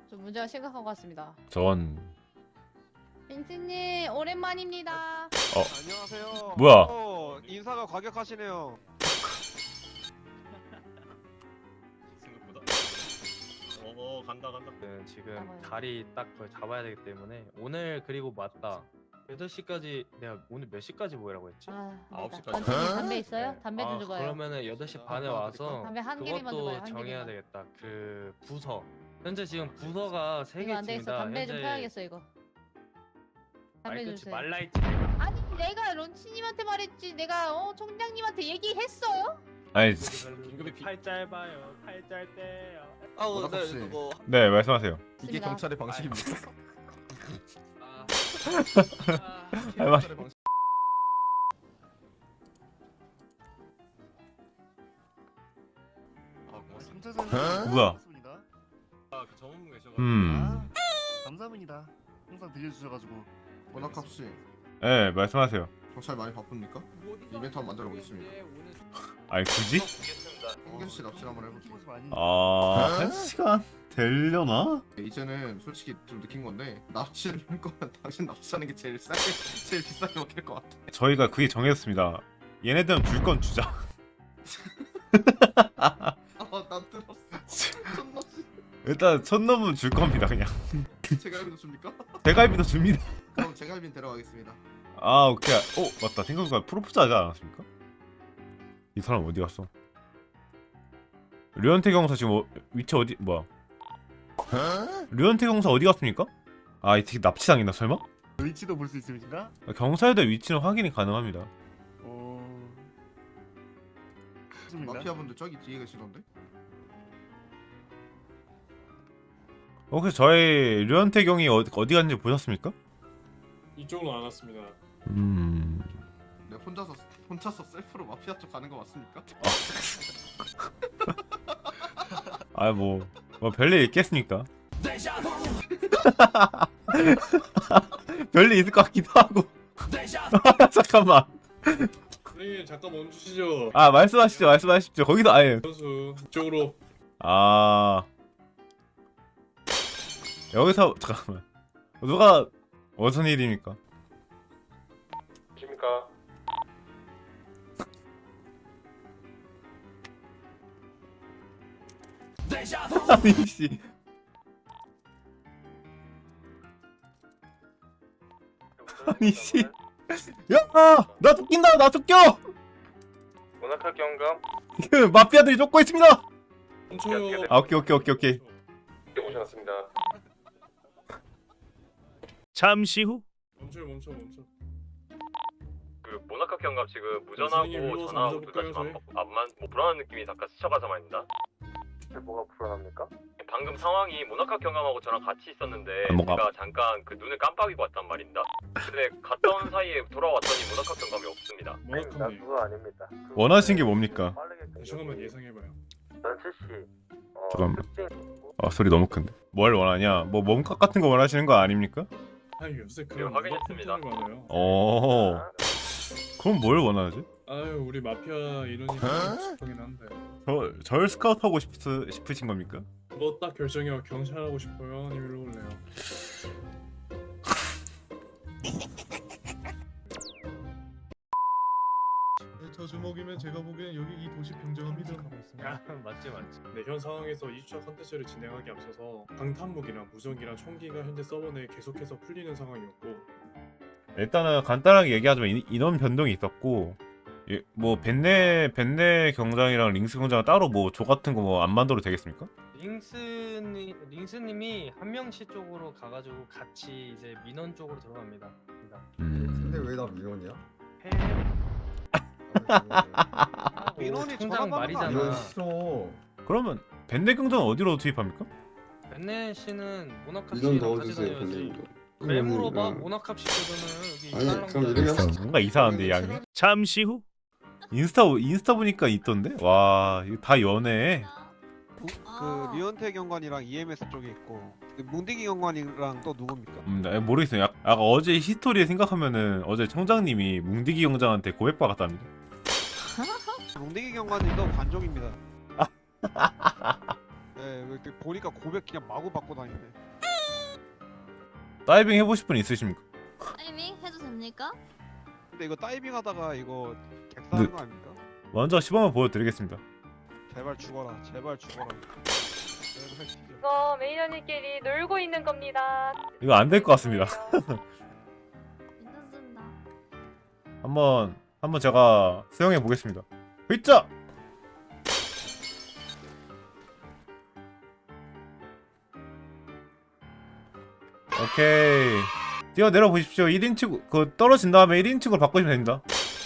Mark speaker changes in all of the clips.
Speaker 1: 좀 문제가 심각한 것 같습니다.
Speaker 2: 전
Speaker 1: 빈스님 오랜만입니다.
Speaker 3: 안녕하세요.
Speaker 2: 뭐야?
Speaker 3: 인사가 과격하시네요.
Speaker 4: 생각보다. 간다.
Speaker 5: 지금
Speaker 1: 잡아요.
Speaker 5: 다리 딱 그걸 잡아야 되기 때문에 오늘 그리고 맞다 8시까지 내가 오늘 몇 시까지 모이라고 했지?
Speaker 1: 아,
Speaker 4: 아홉
Speaker 1: 안되겠다.
Speaker 4: 시까지.
Speaker 1: 단체님 담배 있어요?
Speaker 5: 네.
Speaker 1: 담배 좀 줘봐요.
Speaker 5: 그러면은 8시 반에
Speaker 3: 아,
Speaker 5: 와서
Speaker 1: 담배 한 개만 줘봐요,
Speaker 5: 그것도
Speaker 1: 한
Speaker 5: 정해야
Speaker 1: 개만.
Speaker 5: 되겠다. 그 부서 현재 지금 부서가 3개
Speaker 1: 이거 안 되겠어.
Speaker 5: 있습니다.
Speaker 1: 담배 좀 펴야겠어 이거. 담배
Speaker 5: 말끝이
Speaker 1: 주세요.
Speaker 5: 말라있지.
Speaker 1: 아니 내가 런치님한테 말했지. 내가 총장님한테 얘기했어요?
Speaker 2: 아니
Speaker 4: 긴급히
Speaker 5: 팔 짧아요. 팔 짧대요.
Speaker 6: 네,
Speaker 3: 그거
Speaker 2: 네 말씀하세요.
Speaker 6: 이게
Speaker 1: 있습니다.
Speaker 6: 경찰의 방식입니다.
Speaker 2: 할 말-
Speaker 6: 경찰의 방식.
Speaker 2: 뭐야?
Speaker 4: 그 전문가 계셔가지고.
Speaker 7: 감사합니다. 항상 들려주셔가지고.
Speaker 6: 원학합 씨,
Speaker 2: 네 말씀하세요.
Speaker 6: 경찰 많이 바쁩니까? 이벤트 한번 만들어 보겠습니다.
Speaker 2: 아니 굳이?
Speaker 6: 한결 씨 납치를 한번 해볼게요.
Speaker 7: 키보드 많이.
Speaker 2: 한 시간 되려나?
Speaker 6: 이제는 솔직히 좀 느낀 건데 납치를 할 거면 당신 납치하는 게 제일 싸게, 제일 비싸게 먹힐 것 같아.
Speaker 2: 저희가 그게 정했습니다. 얘네들은 줄 건 주자.
Speaker 6: 나 들었어. 존나
Speaker 2: 일단 첫 놈은 줄 겁니다 그냥.
Speaker 6: 제갈비도 줍니까?
Speaker 2: 대갈비도 줍니다.
Speaker 6: 그럼 제갈비는 데려가겠습니다.
Speaker 2: 아 오케이. 맞다 생각해보니까 프로포즈 하지 않았습니까? 이 사람 어디 갔어? 류현태 경사 지금 위치 어디 뭐야? 류현태 경사 어디 갔습니까? 아 이 새끼 납치당했나 설마?
Speaker 7: 위치도 볼 수 있습니까?
Speaker 2: 경사에대 위치는 확인이 가능합니다.
Speaker 7: 있습니다.
Speaker 6: 마피아분들 저기 뒤에 계시던데?
Speaker 2: 혹시 저희 류현태 경이 어디 갔는지 보셨습니까?
Speaker 4: 이쪽으로 안 왔습니다.
Speaker 6: 내가 혼자서 셀프로 마피아 쪽 가는 거 맞습니까?
Speaker 2: 뭐 별일 있겠습니까? 별일 있을 것 같기도 하고. 잠깐만.
Speaker 4: 선생님 잠깐 멈추시죠.
Speaker 2: 말씀하십시오. 거기서 아예.
Speaker 4: 선수 이쪽으로.
Speaker 2: 여기서 잠깐만. 누가 무슨 일입니까?
Speaker 5: 십니까?
Speaker 2: 아니 씨. 아니 씨. 야! 나 쫓긴다. 나 쫓겨.
Speaker 5: 문학학 경감
Speaker 2: 그 마피아들이 쫓고 있습니다.
Speaker 4: 멈춰요.
Speaker 2: 아, 오케이.
Speaker 5: 오셨습니다.
Speaker 8: 잠시 후
Speaker 4: 멈춰.
Speaker 5: 그 문학학 경감 지금 무전하고
Speaker 4: 선생님, 일로 와서
Speaker 5: 전화하고 둘 다
Speaker 4: 앉아볼까요,
Speaker 5: 지금 안만 불안한 느낌이 잠깐 스쳐가서 말입니다. 뭐가 불안합니까? 방금 상황이 문학학 경감하고 저랑 같이 있었는데
Speaker 2: 뭔가-
Speaker 5: 제가 잠깐 그 눈을 깜빡이고 왔단 말입니다. 근데 갔다 온 사이에 돌아왔더니 문학학 경감이 없습니다.
Speaker 4: 문학학님.
Speaker 5: 그거 아닙니다.
Speaker 2: 원하신 게 뭡니까?
Speaker 4: 잠깐만 예상해봐요.
Speaker 2: 잠깐만. 소리 너무 큰데. 뭘 원하냐? 뭐 몸값 같은 거 원하시는 거 아닙니까?
Speaker 4: 아유 요새 그런
Speaker 5: 확인했습니다.
Speaker 4: 문학 많아요.
Speaker 2: 그럼 뭘 원하지?
Speaker 4: 아유 우리 마피아 인원이 싶긴 한데.
Speaker 2: 절 스카우트 하고 싶으신 겁니까?
Speaker 4: 뭐 딱 결정해요. 경찰 하고 싶어요. 아니면 일로 올래요. 저 주먹이면 제가 보기엔 여기 이 도시 평정합니다.
Speaker 5: 맞지.
Speaker 4: 네, 현 상황에서 2주차 컨텐츠를 진행하기 앞서서 방탄복이랑 무전기랑 총기가 현재 서버 내에 계속해서 풀리는 상황이었고
Speaker 2: 일단은 간단하게 얘기하자면 인원 변동이 있었고 뭐 벤네 경장이랑 링스 경장 따로 뭐 조 같은 거 뭐 안 만들어도 되겠습니까?
Speaker 5: 링스님이 한 명씩 쪽으로 가가지고 같이 이제 민원 쪽으로 들어갑니다.
Speaker 9: 근데 왜 나 민원이야?
Speaker 3: 민원이
Speaker 5: 총장
Speaker 3: 전화
Speaker 5: 말이잖아.
Speaker 9: 이건 싫어.
Speaker 2: 그러면 벤네 경장은 어디로 투입합니까?
Speaker 5: 벤네 씨는 모나카
Speaker 9: 민원
Speaker 5: 씨랑 같이
Speaker 9: 넣어주세요,
Speaker 5: 다녀야지.
Speaker 9: 벤네님도.
Speaker 5: 왜 물어봐? 모나카 씨거든은 여기
Speaker 9: 아니,
Speaker 5: 이상한
Speaker 9: 그럼
Speaker 5: 거잖아.
Speaker 9: 이러면-
Speaker 2: 뭔가 이상한데 양이.
Speaker 8: 잠시 후
Speaker 2: 인스타 보니까 있던데? 와 이거 다 연애.
Speaker 3: 그 류현태 경관이랑 EMS 쪽에 있고 그 뭉디기 경관이랑 또 누굽니까?
Speaker 2: 모르겠어요. 아까 어제 히스토리에 생각하면은 어제 청장님이 뭉디기 경장한테 고백받았답니다.
Speaker 3: 뭉디기 경관님도 관종입니다. 네, 그때 보니까 고백 그냥 마구 받고 다니네.
Speaker 2: 다이빙 해보실 분 있으십니까?
Speaker 10: 타이밍 해도 됩니까?
Speaker 3: 근데 이거 다이빙 하다가 이거 객사하는 거 아닙니까?
Speaker 2: 먼저 시범을 보여드리겠습니다.
Speaker 3: 제발 죽어라. 제발 죽어라. 제발 죽여.
Speaker 1: 이거 매니저님끼리 놀고 있는 겁니다.
Speaker 2: 이거 안 될 것 같습니다.
Speaker 10: 괜찮습니다.
Speaker 2: 한번 제가 수영해 보겠습니다. 으쌰! 오케이. 뛰어내려 보십시오. 1인칭 그 떨어진 다음에 1인칭으로 바꾸시면 됩니다.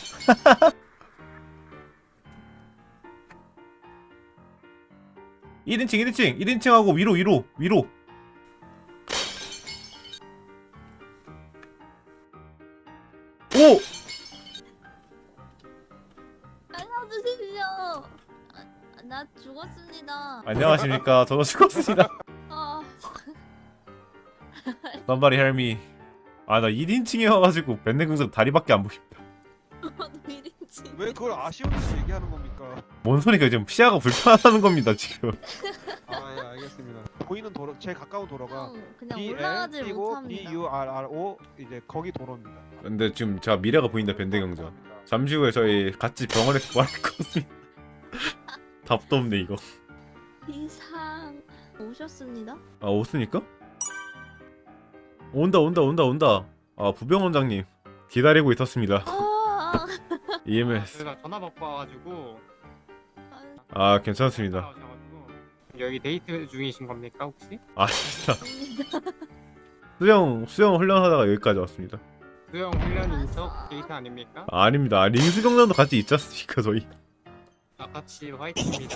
Speaker 2: (1인칭) 1인칭하고 위로. 오!
Speaker 10: 살려주십시오. 나 죽었습니다.
Speaker 2: 안녕하십니까. 저도 죽었습니다.
Speaker 10: 아,
Speaker 2: Somebody help me. 아, 나 1인칭에 와가지고 밴드긍정 다리밖에 안 보입니다.
Speaker 10: 너도 1인칭.
Speaker 3: 왜 그걸 아쉬운 듯이 얘기하는 겁니까?
Speaker 2: 뭔 소리가 지금 시야가 불편하다는 겁니다 지금.
Speaker 3: 아, 예, 알겠습니다. 보이는 도로, 제일 가까운 도로가
Speaker 10: 그냥
Speaker 3: BL
Speaker 10: 올라가질
Speaker 3: 그리고
Speaker 10: 못합니다.
Speaker 3: BURRO 이제 거기 도로입니다.
Speaker 2: 근데 지금 제가 미래가 보인다 밴드긍정. 잠시 후에 저희 같이 병원에서 구할 것 같습니다. 답도 없네 이거.
Speaker 10: 이상 오셨습니다.
Speaker 2: 아 오스니까? 온다. 아 부병원장님 기다리고 있었습니다.
Speaker 10: 아,
Speaker 2: EMS.
Speaker 11: 저희가 전화 받고 와가지고
Speaker 2: 아 괜찮습니다.
Speaker 11: 나오셔가지고 여기 데이트 중이신 겁니까 혹시?
Speaker 2: 아 진짜
Speaker 10: 아닙니다.
Speaker 2: 수영 훈련하다가 여기까지 왔습니다.
Speaker 11: 수영 훈련 인척 데이트 아닙니까?
Speaker 2: 아, 아닙니다. 링스 경장도 같이 있지 않습니까 저희?
Speaker 11: 아 같이 화이팅입니다.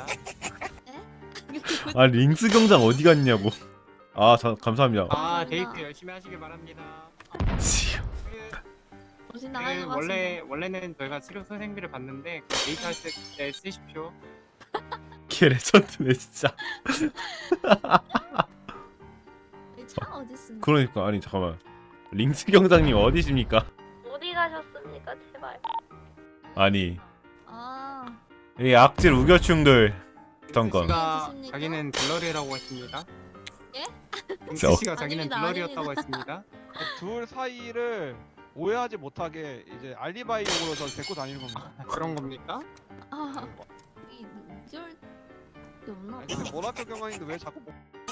Speaker 2: 아 링스 경장 어디 갔냐고. 아 감사합니다.
Speaker 11: 아
Speaker 10: 감사합니다.
Speaker 11: 데이트 열심히 하시길 바랍니다.
Speaker 10: 정신 나갈 것 같습니다.
Speaker 11: 원래는 저희가 치료 선생비를 받는데 그 데이트 할 때 쓰십시오.
Speaker 2: 걔 레전드네 진짜.
Speaker 10: 이 차 어디 있습니까?
Speaker 2: 그러니까 아니 잠깐만. 링스 경장님 어디십니까?
Speaker 10: 어디 가셨습니까? 제발.
Speaker 2: 아니
Speaker 10: 아,
Speaker 2: 이 악질 우겨충들 잠깐.
Speaker 11: 씨가
Speaker 10: 드십니까?
Speaker 11: 자기는 블러리라고 했습니다.
Speaker 10: 예?
Speaker 11: 링스 씨가 자기는
Speaker 10: 아닙니다,
Speaker 11: 블러리였다고 했습니다.
Speaker 3: 둘 사이를 오해하지 못하게 이제 알리바이용으로 저를 데리고 다니는 겁니다.
Speaker 11: 그런 겁니까?
Speaker 10: 아, 이럴 게 없나?
Speaker 3: 아니, 근데 모라토 경관인데 왜 자꾸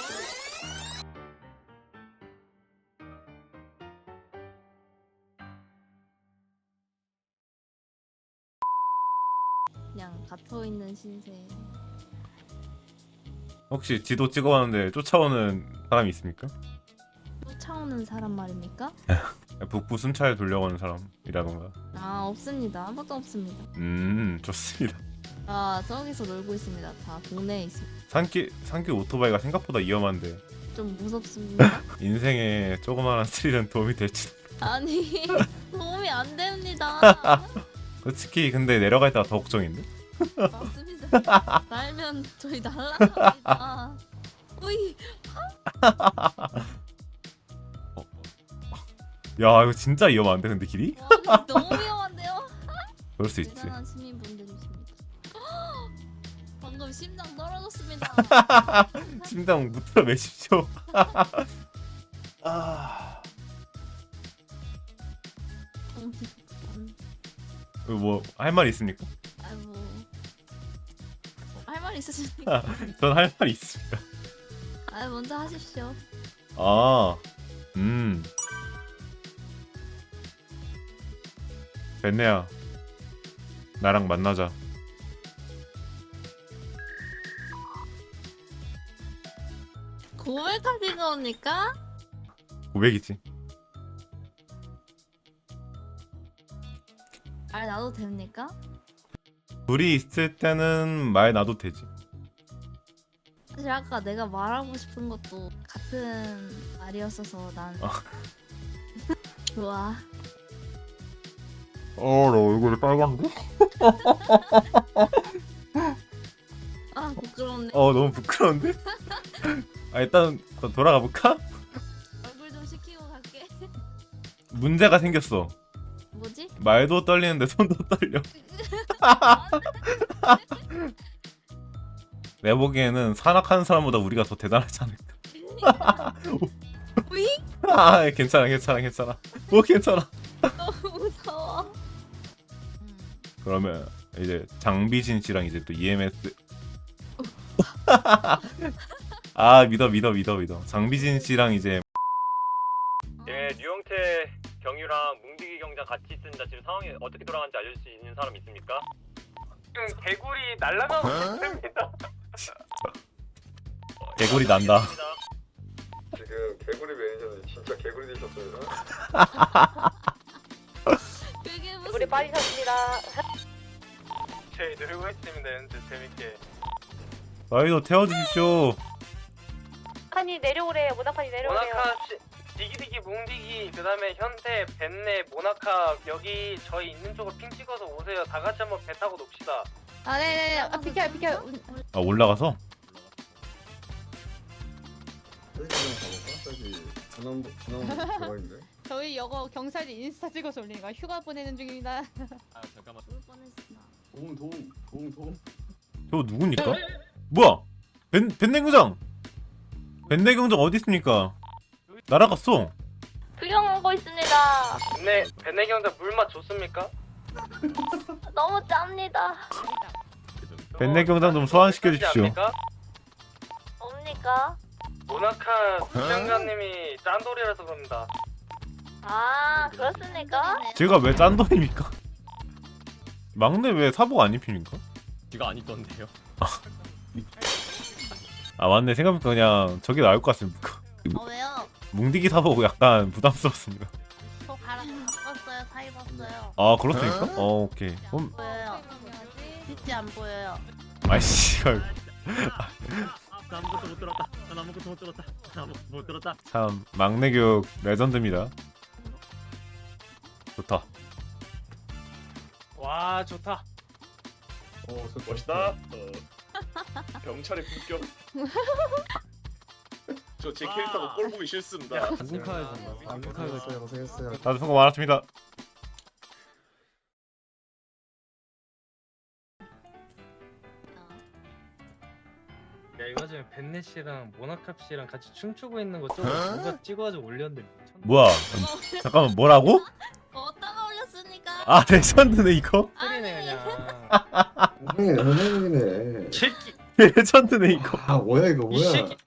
Speaker 10: 그냥 갇혀 있는 신세.
Speaker 2: 혹시 지도 찍어봤는데 쫓아오는 사람이 있습니까?
Speaker 10: 쫓아오는 사람 말입니까?
Speaker 2: 북부 순찰 돌려가는 사람이라던가.
Speaker 10: 아, 없습니다. 아무것도 없습니다.
Speaker 2: 좋습니다.
Speaker 10: 아, 저기서 놀고 있습니다. 다 동네에 있습니다.
Speaker 2: 산길 오토바이가 생각보다 위험한데
Speaker 10: 좀 무섭습니다.
Speaker 2: 인생에 조그마한 스릴은 도움이 될지.
Speaker 10: 아니, 도움이 안 됩니다.
Speaker 2: 솔직히 근데 내려갈 때가 더 걱정인데?
Speaker 10: 맞습니다. 날면 저희 날라갑니다. 오이,
Speaker 2: 야 이거 진짜 위험한데 근데 길이?
Speaker 10: 와, 너무 위험한데요?
Speaker 2: 그럴 수 있지.
Speaker 10: 대단한 시민분들이십니다. 방금 심장 떨어졌습니다.
Speaker 2: 심장 무틀어 매십시오. 아... 뭐 할 말 있습니까?
Speaker 10: 아이고, 할 말 있으십니까?
Speaker 2: 전 할 말이 있습니다.
Speaker 10: 아, 먼저 하십시오.
Speaker 2: 아, 벤네야, 나랑 만나자.
Speaker 10: 고백하신 겁니까?
Speaker 2: 고백이지.
Speaker 10: 말 놔도 됩니까?
Speaker 2: 둘이 있을 때는 말 놔도 되지.
Speaker 10: 사실 아까 내가 말하고 싶은 것도 같은 말이었어서 난 좋아.
Speaker 2: 나 얼굴이 빨간데?
Speaker 10: 아, 부끄럽네.
Speaker 2: 너무 부끄러운데? 일단 돌아가 볼까?
Speaker 10: 얼굴 좀 식히고 갈게.
Speaker 2: 문제가 생겼어.
Speaker 10: 뭐지?
Speaker 2: 말도 떨리는데 손도 떨려. 내 보기에는 산악하는 사람보다 우리가 더 대단하지 않을까.
Speaker 10: 우이?
Speaker 2: 아 괜찮아 괜찮아 괜찮아. 뭐 괜찮아.
Speaker 10: 너무 무서워.
Speaker 2: 그러면 이제 장비진 씨랑 이제 또 EMS. 아 믿어. 장비진 씨랑 이제
Speaker 5: 예, 류영태 경유랑 뭉디기 경장 같이 있습니다. 지금 상황이 어떻게 돌아가는지 알려줄 수 있는 사람 있습니까? 지금 개구리 날아가고 있습니다.
Speaker 2: 개구리 난다.
Speaker 9: 지금 개구리 매니저는 진짜 개구리 되셨어요.
Speaker 10: 그게 무슨
Speaker 1: 우리 빠지셨습니다.
Speaker 5: 저희 누르고 있습니다. 연습 재밌게.
Speaker 2: 저희도 태워주십시오.
Speaker 1: 판이 내려오래요. 모나판이 내려오래요.
Speaker 5: 디기디기 뭉디기 그다음에 현태 벤네 모나카 여기 저희 있는 쪽으로 핑 찍어서 오세요. 다 같이 한번 배 타고 놉시다.
Speaker 1: 아, 네네네. 아, 비켜요.
Speaker 2: 아 올라가서
Speaker 9: 저기 좀 가볼까? 저기 중앙 대박인데.
Speaker 1: 저희 이거 경찰이 인스타 찍어서 올리니까 휴가 보내는 중입니다.
Speaker 5: 아 잠깐만.
Speaker 10: 죽을 뻔했어.
Speaker 7: 도움.
Speaker 2: 저거 누굽니까? 뭐야? 벤내경장 어디 있습니까? 날아갔어.
Speaker 10: 구경하고 있습니다.
Speaker 5: 네, 벤네 경장 물맛 좋습니까?
Speaker 10: 너무 짭니다.
Speaker 2: 벤내경장 좀 소환시켜 주십시오.
Speaker 10: 뭡니까?
Speaker 5: 모나카 부장관님이 짠돌이라서 그럽니다.
Speaker 10: 아, 그렇습니까?
Speaker 2: 제가 왜 짠돌입니까? 막내 왜 사복 안 입힙니까?
Speaker 5: 제가 안 입던데요.
Speaker 2: 아 맞네 생각해보니까 그냥 저게 나을 것 같습니다.
Speaker 10: 왜요?
Speaker 2: 뭉디기 사복 약간 부담스럽습니다.
Speaker 10: 저 바꿨어요. 다 입었어요.
Speaker 2: 아 그렇습니까? 오케이. 그럼
Speaker 10: 보여요. 진짜 안 보여요.
Speaker 2: 아이씨 이걸
Speaker 8: 나 아무것도 못 들었다. 난 아무것도 못 들었다. 나 아무것도 못 들었다.
Speaker 2: 참 막내 교육 레전드입니다. 좋다.
Speaker 5: 와 좋다.
Speaker 4: 멋있다. 경찰의 품격. 저 제 캐릭터가 꼴 보기 싫습니다.
Speaker 9: 안국하에서 고생했어요.
Speaker 2: 다들 수고 많았습니다.
Speaker 5: 야 이거 지금 벤네 씨랑 모나카 씨랑 같이 춤추고 있는 거 좀 누가 찍어가지고 올렸는데 미쳤네.
Speaker 2: 뭐야? 잠깐만 뭐라고?
Speaker 10: 어디다가 올렸습니까?
Speaker 2: 아 레전드네 이거?
Speaker 5: 소리네 그냥.
Speaker 9: 현행이네.
Speaker 5: 새끼
Speaker 2: 레전드네 이거.
Speaker 9: 아 뭐야 이거
Speaker 5: 이 새끼.